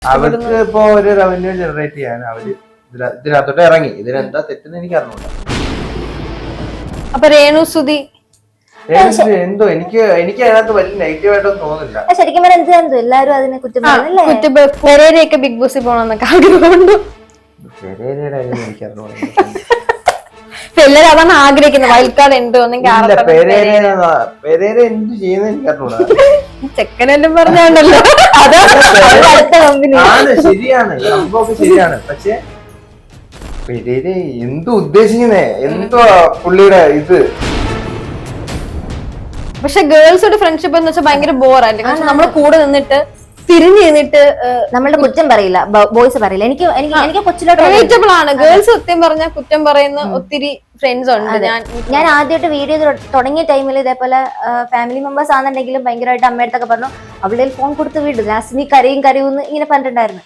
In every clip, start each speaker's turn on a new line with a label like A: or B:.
A: അവർക്ക് ഇപ്പൊ ഒരു റവന്യൂ ജനറേറ്റ് ചെയ്യാൻ അവര് ഇതിനകത്തോട്ട് ഇറങ്ങി. ഇതിനെന്താ തെറ്റെന്ന് എനിക്ക് അറിഞ്ഞൂടാ.
B: അപ്പൊ രേണുസുതി
A: എന്തോ എനിക്ക് അതിനകത്ത് വലിയ നെഗറ്റീവ് ആയിട്ടൊന്നും തോന്നുന്നില്ല.
C: ശരിക്കും പറഞ്ഞാൽ എന്ത് എല്ലാരും അതിനെ കുറ്റം
B: പെരേരയൊക്കെ ബിഗ് ബോസിൽ പോകണമെന്നൊക്കെ ആഗ്രഹമുണ്ട്.
A: പെരേരയുടെ കാര്യം എനിക്ക് അറിഞ്ഞൂടാ.
B: എല്ലാരും അതാണ് ആഗ്രഹിക്കുന്നത്. വൈൽഡ് കാർഡ് ഉണ്ടോ
A: പെരേര എന്ത് ചെയ്യുന്നത് എനിക്ക് അറിഞ്ഞൂടാ.
B: ചെക്കനെല്ലാം പറഞ്ഞോണ്ടല്ലോ
A: ആണ്, ശരിയാണ്, സംഭവമൊക്കെ ശരിയാണ്. പക്ഷെ പെരേര എന്തോ ഉദ്ദേശിക്കുന്നേ, എന്തോ പുള്ളിയുടെ ഇത്.
B: പക്ഷെ ഗേൾസോട് ഫ്രണ്ട്ഷിപ്പ് എന്ന് വെച്ചാൽ ഭയങ്കര ബോറല്ലേ. കാരണം നമ്മള് കൂടെ നിന്നിട്ട് തിരിഞ്ഞു നിന്നിട്ട്
C: നമ്മളുടെ കുറ്റം പറയില്ല, ബോയ്സ് പറയില്ല. എനിക്ക് കൊച്ചിലോട്ട്
B: റിലേറ്റബിൾ ആണ്. ഗേൾസ് സത്യം പറഞ്ഞാൽ കുറ്റം പറയുന്ന ഒത്തിരി ഫ്രണ്ട്സ് ഉണ്ട്.
C: ഞാൻ ആദ്യമായിട്ട് വീഡിയോ തുടങ്ങിയ ടൈമിൽ ഇതേപോലെ ഫാമിലി മെമ്പേഴ്സ് ആണെന്നുണ്ടെങ്കിലും ഭയങ്കരമായിട്ട് അമ്മയടുത്തൊക്കെ പറഞ്ഞു, അവളുടെ ഫോൺ കൊടുത്ത് വിടും, ലാസ്റ്റ് നീ കരയും ഇങ്ങനെ പറഞ്ഞിട്ടുണ്ടായിരുന്നു.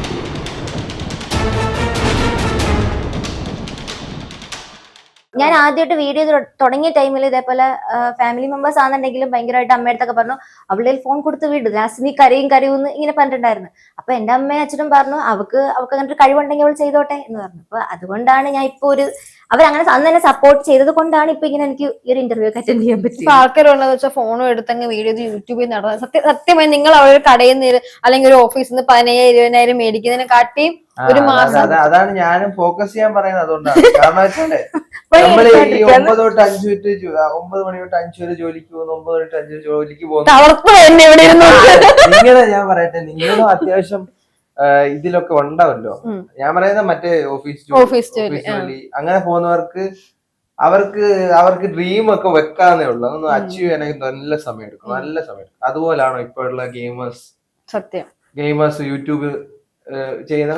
C: ഞാൻ ആദ്യമായിട്ട് വീഡിയോ തുടങ്ങിയ ടൈമിൽ ഇതേപോലെ ഫാമിലി മെമ്പേഴ്സ് ആണെന്നുണ്ടെങ്കിലും ഭയങ്കരമായിട്ട് അമ്മയടുത്തൊക്കെ പറഞ്ഞു, അവളുടെ ഫോൺ കൊടുത്ത് വിടും, ലാസ്റ്റ് നീ കരയും ഇങ്ങനെ പറഞ്ഞിട്ടുണ്ടായിരുന്നു. അപ്പൊ എന്റെ അമ്മയും അച്ഛനും പറഞ്ഞു, അവൾക്ക് അങ്ങനെ ഒരു കഴിവുണ്ടെങ്കിൽ അവൾ ചെയ്തോട്ടെ എന്ന് പറഞ്ഞു. അപ്പൊ അതുകൊണ്ടാണ് ഞാൻ ഇപ്പൊ അവരങ്ങനെ അന്ന് തന്നെ സപ്പോർട്ട് ചെയ്തത് കൊണ്ടാണ് ഇപ്പൊ ഇങ്ങനെ എനിക്ക് ഈ ഒരു ഇന്റർവ്യൂ ഒക്കെ അറ്റൻഡ് ചെയ്യാൻ പറ്റും.
B: ആൾക്കാരുള്ളതെന്ന് വെച്ചാൽ ഫോണും എടുത്തങ്ങ് വീഡിയോ യൂട്യൂബിൽ നടന്നത് സത്യമായി നിങ്ങൾ അവരുടെ കടയിൽ നിന്ന് അല്ലെങ്കിൽ ഒരു ഓഫീസിൽ നിന്ന് 15,000-20,000 മേടിക്കുന്നതിനെ കാട്ടിയും ഒരു മാസം.
A: അതാണ് ഞാനും ഫോക്കസ് ചെയ്യാൻ പറയുന്നത്. അതുകൊണ്ടാണ്. കാരണം വെച്ചാല് നമ്മള് ഈ 9 തൊട്ട് 5 മണി തൊട്ട് 5 വരെ ജോലിക്ക് പോകുന്നു, 9 തൊട്ട് 5 വരെ ജോലിക്ക് പോകുന്നു. നിങ്ങളെ ഞാൻ പറയട്ടെ, നിങ്ങളും അത്യാവശ്യം ഇതിലൊക്കെ ഉണ്ടാവല്ലോ. ഞാൻ പറയുന്നത് മറ്റേ ഓഫീസ് ജോലി അങ്ങനെ പോകുന്നവർക്ക് അവർക്ക് ഡ്രീം ഒക്കെ വെക്കാന്നേ ഉള്ളൂ. അതൊന്ന് അച്ചീവ് ചെയ്യാനായി നല്ല സമയം എടുക്കും. അതുപോലാണോ ഇപ്പോഴുള്ള ഗെയിമേഴ്സ് യൂട്യൂബ് ചെയ്യുന്ന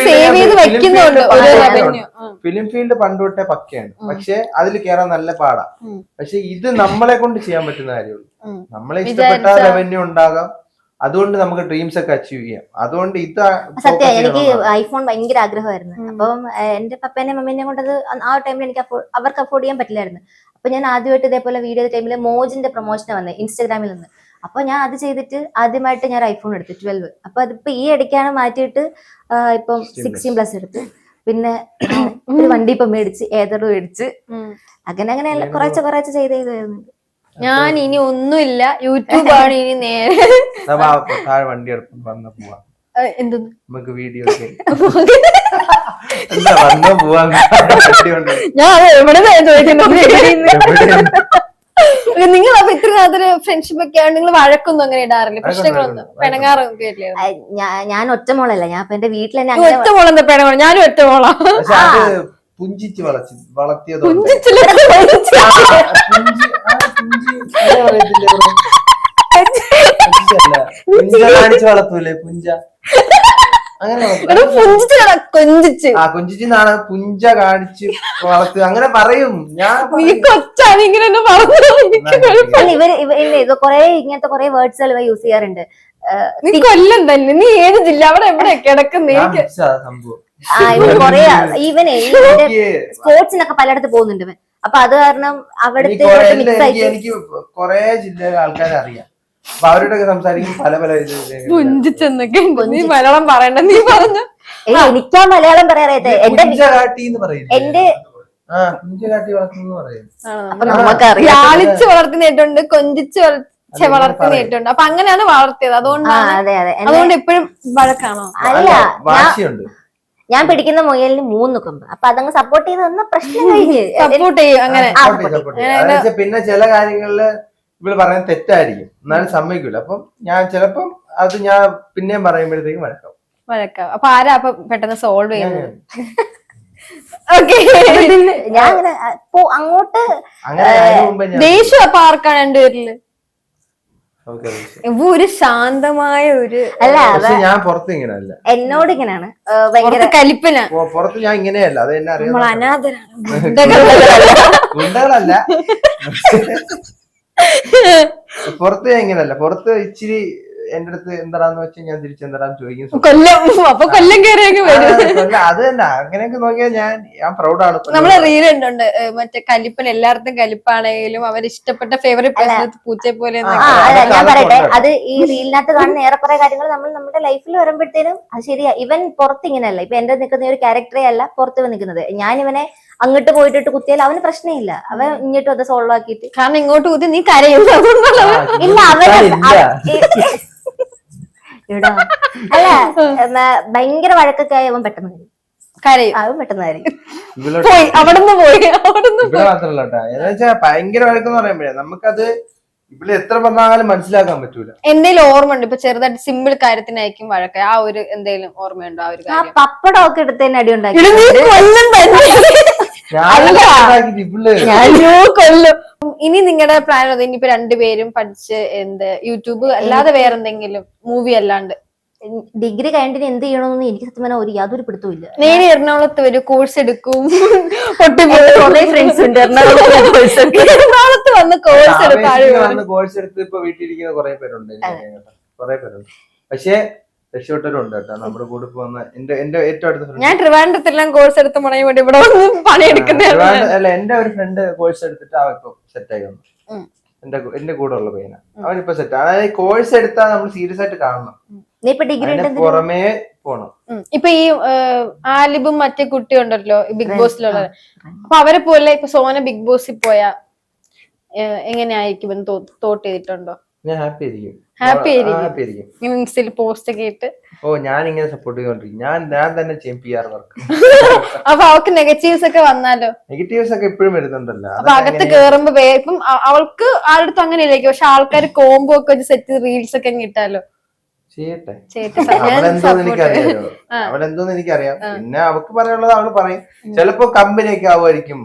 A: ഫിലിം ഫീൽഡ് പണ്ട് തൊട്ടേ പക്കയാണ്. പക്ഷെ അതിൽ കയറാൻ നല്ല പാടാ. പക്ഷെ ഇത് നമ്മളെ കൊണ്ട് ചെയ്യാൻ പറ്റുന്ന കാര്യമുള്ളൂ. നമ്മളെ ഇഷ്ടപ്പെട്ട റവന്യൂ ഉണ്ടാകാം. അതുകൊണ്ട് നമുക്ക് ഡ്രീംസ് ഒക്കെ അച്ചീവ് ചെയ്യാം. അതുകൊണ്ട് ഇത്
C: സത്യം എനിക്ക് ഐഫോൺ ഭയങ്കര ആഗ്രഹമായിരുന്നു. അപ്പം എന്റെ പപ്പേനെയും മമ്മീനെയും കൊണ്ട് അത് ആ ടൈമിൽ എനിക്ക് അവർക്ക് അഫോർഡ് ചെയ്യാൻ പറ്റില്ലായിരുന്നു. അപ്പൊ ഞാൻ ആദ്യമായിട്ട് ഇതേപോലെ വീഡിയോ ടൈമിൽ മോജിന്റെ പ്രൊമോഷന് വന്നത് ഇൻസ്റ്റാഗ്രാമിൽ നിന്ന്. അപ്പൊ ഞാൻ അത് ചെയ്തിട്ട് ആദ്യമായിട്ട് ഞാൻ ഐഫോൺ എടുത്തു 12. അപ്പൊ അതിപ്പോ ഈ ഇടയ്ക്കാണ് മാറ്റിയിട്ട് ഇപ്പം 16+ എടുത്ത്. പിന്നെ ഒരു വണ്ടി ഇപ്പൊ മേടിച്ച്, ഏതർ മേടിച്ച്, അങ്ങനെ കുറച്ച് ചെയ്തായിരുന്നു.
B: ഞാൻ ഇനി ഒന്നുമില്ല, യൂട്യൂബാണ് ഇനി നേരെ.
A: വണ്ടി എടുപ്പം വന്ന പോവാ
B: എന്തൊന്നും
A: നമുക്ക് വീഡിയോ
B: ഞാൻ എവിടെ ചോദിക്കുന്നു. നിങ്ങൾ അപ്പൊ ഇത്ര കാലത്തൊരു ഫ്രണ്ട്ഷിപ്പ് ഒക്കെ ആണ്, നിങ്ങൾ വഴക്കൊന്നും അങ്ങനെ ഇടാറില്ല? പ്രശ്നങ്ങളൊന്നും പിണങ്ങാറൊക്കെ ഇല്ലേ?
C: ഞാൻ ഒറ്റമോളല്ല, ഞാൻ ഇപ്പൊ എന്റെ വീട്ടിൽ തന്നെ
B: ഒറ്റമോളെന്താ പിണങ്ങോ? ഞാനും ഒറ്റമോളാ.
A: പുഞ്ചിച്ച് വളർത്തിയത് വളർത്തൂലേ പുഞ്ച? കൊഞ്ചിച്ചാണ് പുഞ്ച കാണിച്ച് വളർത്തുക അങ്ങനെ പറയും.
C: ഇവര് കൊറേ ഇങ്ങനത്തെ കൊറേ വേർഡ്സുകൾ യൂസ് ചെയ്യാറുണ്ട്.
B: നീ കൊല്ലം തന്നെ, നീ ഏത് ജില്ല, അവിടെ എവിടെ കിടക്കുന്നേ?
C: കൊറേ ഈവനെ സ്പോർട്സിനൊക്കെ പലയിടത്ത് പോകുന്നുണ്ട് ഇവൻ. അപ്പൊ അത് കാരണം അവിടുത്തെ
A: എനിക്ക് കൊറേ ജില്ലയിലെ ആൾക്കാരെ അറിയാം. അപ്പൊ അവരോടൊക്കെ സംസാരിക്കും പല
B: പുഞ്ചിച്ചെന്നൊക്കെ. നീ മലയാളം പറയണ്ട, നീ പറഞ്ഞു.
C: എനിക്കാ മലയാളം പറയാറിയത്തെ. എന്റെ
B: ലാളിച്ച് വളർത്തുന്നേട്ടുണ്ട്, കൊഞ്ചിച്ച് വളർത്തുന്നേട്ടുണ്ട്. അപ്പൊ അങ്ങനെയാണ് വളർത്തിയത്. അതുകൊണ്ട് എപ്പോഴും വഴക്കാണോ?
C: അല്ല, ഞാൻ പിടിക്കുന്ന മുയലിന് 3 കൊമ്പ്. അപ്പൊ അതങ്ങ് സപ്പോർട്ട് ചെയ്ത് തന്ന പ്രശ്നം കഴിഞ്ഞ്
B: സപ്പോർട്ട് ചെയ്യും. അങ്ങനെ
A: പിന്നെ ചില കാര്യങ്ങളില് ഇവള് പറയുന്നത് തെറ്റായിരിക്കും, എന്നാലും സമ്മതിക്കൂല. അപ്പം ഞാൻ ചിലപ്പം അത് ഞാൻ പിന്നെയും പറയുമ്പോഴത്തേക്കും വഴക്കാം.
B: അപ്പൊ ആരാ അപ്പൊ പെട്ടെന്ന് സോൾവ് ചെയ്യുന്നത്?
C: ഞാൻ അങ്ങനെ അങ്ങോട്ട്
B: ദേഷ്യം അപ്പൊ ആർക്കാണ് രണ്ടുപേരില്? ഒരു ശാന്തമായ ഒരു
C: അല്ല,
A: ഞാൻ പുറത്ത് ഇങ്ങനെയല്ല,
C: എന്നോട് ഇങ്ങനെയാണ്
B: ഭയങ്കര കലിപ്പന.
A: പുറത്ത് ഞാൻ ഇങ്ങനെയല്ല, അത് എന്നെ അറിയാം.
B: അനാഥരാണ്.
A: പുറത്ത് ഞാൻ ഇങ്ങനെയല്ല. പുറത്ത് ഇച്ചിരി എന്റെ അടുത്ത് എന്താന്ന് വെച്ചാൽ ഞാൻ തിരിച്ചെന്താന്ന് ചോദിക്കും.
B: കൊല്ലം കയറിയൊക്കെ വരും.
A: അത് തന്നെ അങ്ങനെയൊക്കെ നോക്കിയാൽ ഞാൻ പ്രൗഡാണ്.
B: നമ്മളെ റീൽ ഉണ്ട് മറ്റേ കലിപ്പൻ, എല്ലായിടത്തും കലിപ്പാണെങ്കിലും അവർ ഇഷ്ടപ്പെട്ട ഫേവറേറ്റ് പേഴ്സൺ പൂച്ചയെ പോലെ.
C: ഞാൻ പറയട്ടെ, അത് ഈ റീലിനകത്ത് കാണുന്ന ഏറെക്കുറെ കാര്യങ്ങൾ നമ്മൾ നമ്മുടെ ലൈഫിൽ വരുമ്പോഴത്തേനും അത് ശരിയാ. ഇവൻ പുറത്ത് ഇങ്ങനെയല്ല. ഇപ്പൊ എന്റെ നിൽക്കുന്ന ഒരു ക്യാരക്ടറേ അല്ല പുറത്ത് നിൽക്കുന്നത്. ഞാൻ ഇവനെ അങ്ങോട്ട് പോയിട്ട് കുത്തിയാൽ അവന് പ്രശ്നമില്ല. അവൻ ഇങ്ങോട്ട് അത് സോൾവ് ആക്കിയിട്ട്,
B: കാരണം ഇങ്ങോട്ട് കുത്തി നീ കരയും.
C: ഇല്ല അല്ല ഭയങ്കര വഴക്കൊക്കെ ആയി അവൻ പെട്ടെന്ന്
B: കരയും.
C: അവൻ പെട്ടെന്ന് കരയും.
B: പോയി അവിടുന്ന്
A: മാത്രല്ല കേട്ടാ, ഭയങ്കര വഴക്കെന്ന് പറയുമ്പോഴേ നമുക്കത് ഇവിടെ എത്ര പറഞ്ഞാലും മനസ്സിലാക്കാൻ പറ്റൂല.
B: എന്തേലും ഓർമ്മ ഉണ്ട്? ഇപ്പൊ ചെറുതായിട്ട് സിമ്പിൾ കാര്യത്തിനായിരിക്കും വഴക്ക. ആ ഒരു എന്തേലും ഓർമ്മയുണ്ടോ? ആ ഒരു കാര്യം
C: പപ്പടം ഒക്കെ എടുത്തതിന് അടി ഉണ്ടാക്കി.
B: കൊല്ലും. ഇനി നിങ്ങളുടെ പ്ലാൻ അത് ഇനിയിപ്പോ രണ്ടുപേരും പഠിച്ച് യൂട്യൂബ് അല്ലാതെ വേറെന്തെങ്കിലും മൂവി അല്ലാണ്ട്
C: ഡിഗ്രി കഴിഞ്ഞിട്ട് എന്ത് ചെയ്യണമെന്ന് എനിക്ക് സത്യം പറഞ്ഞാൽ യാതൊരു പിടുത്തവും ഇല്ല.
B: നേരെ എറണാകുളത്ത് ഒരു കോഴ്സ് എടുക്കും.
C: ഫ്രണ്ട്സ് ഉണ്ട്
B: എറണാകുളത്ത് വന്ന് കോഴ്സ്
A: കോഴ്സ് എടുത്ത് ഇപ്പൊ വീട്ടിലിരിക്കുന്ന കുറെ പേരുണ്ട്. പക്ഷെ രക്ഷപ്പെട്ടവരുണ്ട് കേട്ടോ നമ്മുടെ കൂടെ പോകുന്ന. എന്റെ ഏറ്റവും അടുത്ത
B: ഞാൻ ട്രിവാൻഡ്രത്തെല്ലാം കോഴ്സ് എടുത്ത് മുടങ്ങി വേണ്ടി ഇവിടെ വന്ന് പണിയെടുക്കുന്ന.
A: അല്ല, എന്റെ ഒരു ഫ്രണ്ട് കോഴ്സ് എടുത്തിട്ട് അവൻ ഇപ്പൊ സെറ്റായി വന്നു. എന്റെ കൂടെ ഉള്ള പയ്യന അവനിപ്പോ സെറ്റ്. അതായത് കോഴ്സ് എടുത്താൽ നമ്മൾ സീരിയസ് ആയിട്ട് കാണണം. പുറമേ പോണം.
B: ഇപ്പൊ ഈ ആലിബും മറ്റേ കുട്ടിയുണ്ടല്ലോ ബിഗ് ബോസിലുള്ള, അപ്പൊ അവരെ പോലെ ഇപ്പൊ സോന ബിഗ് ബോസിൽ പോയാ എങ്ങനെയായിരിക്കും തോട്ട് ചെയ്തിട്ടുണ്ടോ?
A: ഞാൻ ഹാപ്പി ആയിരിക്കും.
B: ഇൻസ്റ്റയിൽ പോസ്റ്റ് ഒക്കെ ഇട്ട്
A: ഞാൻ ഇങ്ങനെ സപ്പോർട്ട് ചെയ്തോണ്ടിരിക്കും. ഞാൻ തന്നെ ചെയ്യും PR വർക്ക്.
B: അപ്പൊ അവൾക്ക് നെഗറ്റീവ്സ് ഒക്കെ വന്നാലോ?
A: നെഗറ്റീവ്സ് ഒക്കെ എപ്പോഴും വരുന്നുണ്ടല്ലോ.
B: അപ്പൊ അകത്ത് കേറുമ്പോ ഇപ്പം അവൾക്ക് ആരുടെ അങ്ങനെയല്ലേക്കും. പക്ഷെ ആൾക്കാർ കോംബോ ഒക്കെ വെച്ച് സെറ്റ് റീൽസ് ഒക്കെ ഇട്ടാലോ?
A: ചെയ്യട്ടെ. അവളെന്തോന്ന് എനിക്കറിയാം. പിന്നെ അവക്ക് പറയാനുള്ളത് അവള് പറയും. ചിലപ്പോ കമ്പനിയൊക്കെ ആവുമായിരിക്കും.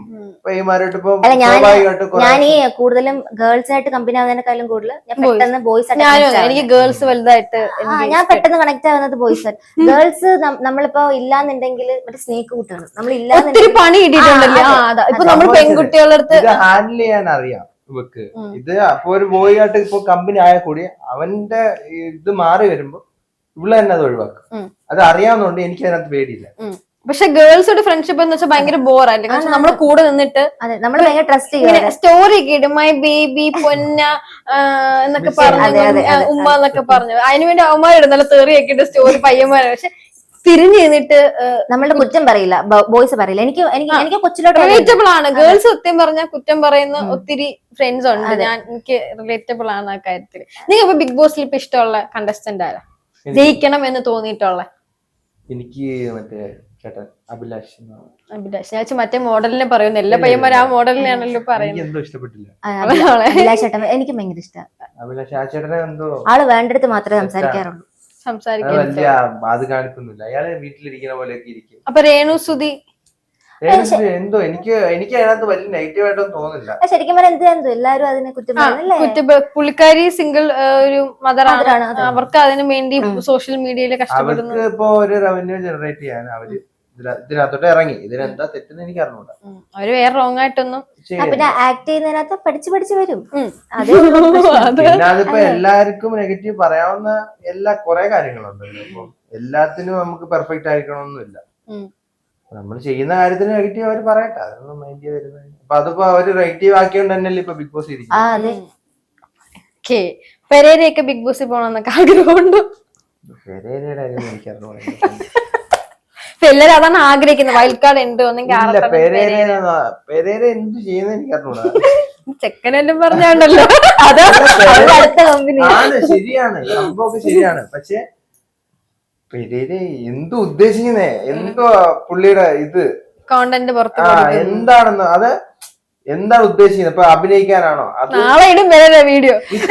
C: ഞാൻ ഈ കൂടുതലും ഗേൾസ് ആയിട്ട് കമ്പനി ആവുന്നതിനെക്കാളും കൂടുതൽ ഞാൻ പെട്ടെന്ന് ബോയ്സ്
B: എനിക്ക് ഗേൾസ് വലുതായിട്ട്
C: ഞാൻ പെട്ടെന്ന് കണക്ട് ആവുന്നത് ബോയ്സ് ആയിട്ട്. ഗേൾസ് നമ്മളിപ്പോ ഇല്ലാന്നുണ്ടെങ്കിൽ മറ്റേ സ്നേക്ക് കൂട്ടാണ്. നമ്മൾ ഇല്ലാന്നുണ്ടെങ്കിൽ
B: പണി കിട്ടിയിട്ടുണ്ടല്ലോ. ഇപ്പൊ നമ്മൾ പെൺകുട്ടികളുടെ അടുത്ത്
A: ഹാൻഡിൽ ചെയ്യാൻ അറിയാം ഇവക്ക്. ഇത് അപ്പൊ ഒരു ബോയ് ആയിട്ട് ഇപ്പൊ കമ്പനി ആയ കൂടി അവന്റെ ഇത് മാറി വരുമ്പോ ഇവള് തന്നെ അത് ഒഴിവാക്കും. അത് അറിയാവുന്നതുകൊണ്ട് എനിക്ക് അതിനകത്ത് പേടിയില്ല.
B: പക്ഷെ ഗേൾസോട് ഫ്രണ്ട്ഷിപ്പ് എന്ന് വെച്ചാൽ ഭയങ്കര ബോറല്ലേ? കാരണം നമ്മള് കൂടെ നിന്നിട്ട്
C: നമ്മൾ ഭയങ്കര ട്രസ്റ്റ് ചെയ്യും.
B: സ്റ്റോറി ഒക്കെ ഇടും. മൈ ബേബി പൊന്ന എന്നൊക്കെ പറഞ്ഞു, ഉമ്മ എന്നൊക്കെ പറഞ്ഞു. അതിനുവേണ്ടി അവന്മാരിടുന്നല്ല തെറിയൊക്കെ ഇട്ട് സ്റ്റോറി പയ്യന്മാരെ. പക്ഷെ തിരിഞ്ഞു നിന്നിട്ട്
C: നമ്മളുടെ കുറ്റം പറയില്ല, ബോയ്സ് പറയില്ല. എനിക്ക് കൊച്ചിലോട്ട്
B: റിലേറ്റബിൾ ആണ്. ഗേൾസ് സത്യം പറഞ്ഞാൽ കുറ്റം പറയുന്ന ഒത്തിരി ഫ്രണ്ട്സ് ഉണ്ട്. എനിക്ക് റിലേറ്റബിൾ ആണ് ആ കാര്യത്തില്. നിങ്ങൾക്ക് ഇപ്പൊ ബിഗ് ബോസിൽ ഇപ്പൊ ഇഷ്ടമുള്ള കണ്ടസ്റ്റന്റ് ആരാ? ജയിക്കണം എന്ന് തോന്നിയിട്ടുള്ള?
A: എനിക്ക് മറ്റേ അഭിലാഷ്.
B: ഞാൻ മറ്റേ മോഡലിനെ പറയുന്നു. എല്ലാ പയ്യന്മാരും ആ മോഡലിനെയാണല്ലോ പറയുന്നത്.
A: ഇഷ്ടപ്പെട്ടില്ല
C: അഭിലാഷ് ചേട്ടൻ. എനിക്ക് ഭയങ്കര ഇഷ്ടമാണ്
A: അഭിലാഷ്. ആ ചേട്ടനെ എന്തോ ആള്
C: വേണ്ടടുത്ത് മാത്രമേ സംസാരിക്കാറുള്ളൂ.
A: അത് കാണിക്കുന്നില്ല. അയാള് വീട്ടിലിരിക്കുന്ന പോലെയൊക്കെ ഇരിക്കും.
B: അപ്പൊ രേണുസുതി
A: എന്തോ എനിക്ക് അതിനകത്ത് വലിയ നെഗറ്റീവ് ആയിട്ടൊന്നും തോന്നില്ല.
C: ശരിക്കും പറഞ്ഞാൽ എന്തോ എല്ലാരും അതിനെ കുറ്റം.
B: പുള്ളിക്കാരി സിംഗിൾ ഒരു മദറാണ്. അവർക്ക് അതിനു വേണ്ടി സോഷ്യൽ മീഡിയയിൽ കഷ്ടപ്പെടുന്നു.
A: അവർക്ക് ഇപ്പൊ ഒരു റവന്യൂ ജനറേറ്റ് ചെയ്യാൻ അവര് ഇതിനകത്തോട്ട് ഇറങ്ങി. ഇതിനെന്താ തെറ്റെന്ന് എനിക്ക് അറിഞ്ഞൂടാ.
B: അവര് വേറെ റോങ് ആയിട്ടൊന്നും.
C: പിന്നെ ആക്ട് ചെയ്യുന്നതിനകത്ത് പഠിച്ചു വരും.
A: പിന്നെ അതിപ്പോ എല്ലാവർക്കും നെഗറ്റീവ് പറയാവുന്ന കുറെ കാര്യങ്ങളുണ്ടല്ലോ. ഇപ്പൊ എല്ലാത്തിനും നമുക്ക് പെർഫെക്റ്റ് ആയിരിക്കണമെന്നില്ല. നമ്മൾ ചെയ്യുന്ന കാര്യത്തിന് നെഗറ്റീവ് അവര് പറയട്ടെ, അതൊന്നും മൈൻഡ് ചെയ്ത് വരുന്നത്. അപ്പൊ അതിപ്പോ അവര് നെഗറ്റീവ് ആക്കിയോണ്ട് തന്നെയല്ലേ ഇപ്പൊ ബിഗ് ബോസ് ഇരിക്കും.
B: പെരേരയൊക്കെ ബിഗ് ബോസിൽ പോകണമെന്നൊക്കെ ആഗ്രഹമുണ്ട്.
A: പെരേരയുടെ കാര്യം എനിക്കറിഞ്ഞൂടാ.
B: എല്ലാരും അതാണ് ആഗ്രഹിക്കുന്നത്. വൈൽഡ് കാർഡ് ഉണ്ട്.
A: പെരേര എന്ത് ചെയ്യുന്ന എനിക്കറിഞ്ഞൂടാ.
B: ചെക്കനെല്ലാം പറഞ്ഞാണ്ടല്ലോ.
A: ശരിയാണ്, സംഭവമൊക്കെ ശരിയാണ്. പക്ഷെ പെരേര എന്തോ ഉദ്ദേശിക്കുന്നേ, എന്തോ പുള്ളിയുടെ ഇത്
B: കോണ്ടന്റ് പുറത്ത്
A: എന്താണെന്ന്, അത് എന്താണ് ഉദ്ദേശിക്കുന്നത്? ഇപ്പൊ അഭിനയിക്കാനാണോ?
B: നാളെ ഇടും പെരേര വീഡിയോ.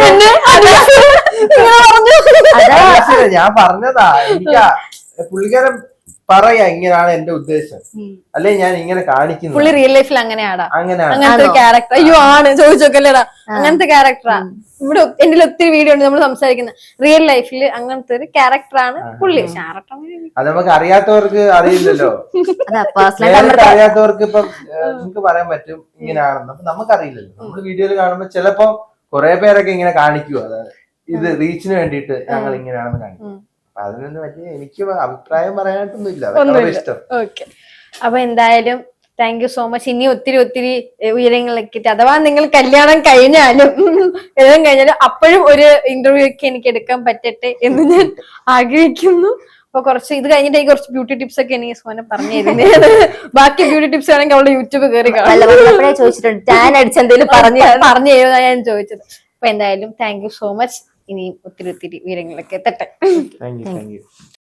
A: ഞാൻ പറഞ്ഞതാ. എനിക്ക് പുള്ളിക്കാരൻ പറയാ ഇങ്ങനെയാണ് എന്റെ ഉദ്ദേശം, അല്ലെ ഞാൻ ഇങ്ങനെ കാണിക്കുന്നു.
B: പുള്ളി റിയൽ ലൈഫിൽ അങ്ങനെയാടാ,
A: അങ്ങനെയാണ്
B: അങ്ങനത്തെ ക്യാരക്ടർ. അയ്യോ ആണ് ചോദിച്ചോക്കല്ലേടാ, അങ്ങനത്തെ ക്യാരക്ടറാ. ഇവിടെ എന്റെ ഒത്തിരി വീഡിയോ ഉണ്ട് നമ്മൾ സംസാരിക്കുന്നത്. റിയൽ ലൈഫിൽ അങ്ങനത്തെ ഒരു ക്യാരക്ടറാണ് പുള്ളി.
A: അത് നമുക്ക് അറിയാത്തവർക്ക് അറിയില്ലല്ലോ. അറിയാത്തവർക്ക് ഇപ്പം നമുക്ക് പറയാൻ പറ്റും ഇങ്ങനെയാണെന്ന്. അപ്പൊ നമുക്കറിയില്ലല്ലോ. നമ്മള് വീഡിയോയിൽ കാണുമ്പോ ചിലപ്പോ കുറെ പേരൊക്കെ ഇങ്ങനെ കാണിക്കുവോ. അതായത് ഇത് റീച്ചിന് വേണ്ടിയിട്ട് ഞങ്ങൾ ഇങ്ങനെയാണെന്ന് കാണിക്കും. അപ്പൊ അതിനൊന്നും വലിയ എനിക്ക് അഭിപ്രായം പറയാനായിട്ടൊന്നും ഇല്ല. അതൊക്കെ ഇഷ്ടം.
B: ഓക്കെ, അപ്പൊ എന്തായാലും താങ്ക് യു സോ മച്ച്. ഇനി ഒത്തിരി ഒത്തിരി ഉയരങ്ങളിലേക്ക് അഥവാ നിങ്ങൾ കല്യാണം കഴിഞ്ഞാലും അപ്പോഴും ഒരു ഇന്റർവ്യൂ ഒക്കെ എനിക്ക് എടുക്കാൻ പറ്റട്ടെ എന്ന് ഞാൻ ആഗ്രഹിക്കുന്നു. അപ്പൊ കുറച്ച് ഇത് കഴിഞ്ഞിട്ട് കുറച്ച് ബ്യൂട്ടി ടിപ്സ് ഒക്കെ എനിക്ക് സോന പറഞ്ഞു തരുന്നത്. ബാക്കി ബ്യൂട്ടി ടിപ്സ് ആണെങ്കിൽ അവളുടെ യൂട്യൂബ് കയറി
C: ചോദിച്ചിട്ടുണ്ട് ടാൻ അടിച്ചെന്തെങ്കിലും
B: പറഞ്ഞു തരുന്ന ഞാൻ ചോദിച്ചത്. അപ്പൊ എന്തായാലും താങ്ക് യു സോ മച്ച്. ഇനിയും ഒത്തിരി ഒത്തിരി ഉയരങ്ങളൊക്കെ എത്തട്ടെ.
A: Thank U.